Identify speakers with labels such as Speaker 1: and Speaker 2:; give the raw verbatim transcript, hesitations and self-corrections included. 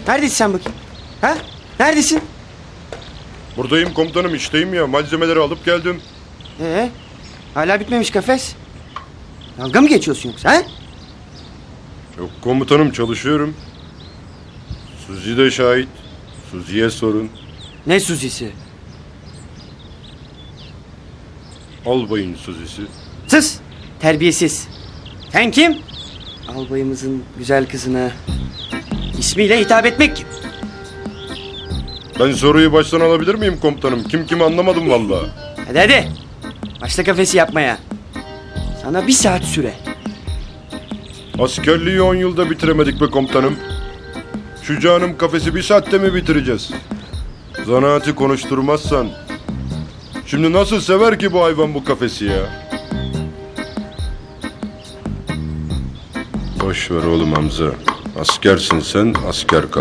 Speaker 1: Neredesin sen bakayım? Ha? Neredesin?
Speaker 2: Buradayım komutanım, işteyim ya. Malzemeleri alıp geldim.
Speaker 1: Ee, hala bitmemiş kafes. Dalga mı geçiyorsun yoksa ha?
Speaker 2: Yok komutanım, çalışıyorum. Suzi de şahit. Suzi'ye sorun.
Speaker 1: Ne Suzi'si?
Speaker 2: Albayın Suzi'si.
Speaker 1: Sus! Terbiyesiz. Sen kim? Albayımızın güzel kızına ismiyle hitap etmek kim?
Speaker 2: Ben soruyu baştan alabilir miyim komutanım? Kim kimi anlamadım vallahi.
Speaker 1: Hadi hadi. Başla kafesi yapmaya. Sana bir saat süre.
Speaker 2: Askerliği on yılda bitiremedik be komutanım. Şu canım kafesi bir saatte mi bitireceğiz? Zanaati konuşturmazsan. Şimdi nasıl sever ki bu hayvan bu kafesi ya? Boş ver oğlum Hamza. Askersin sen, asker kal.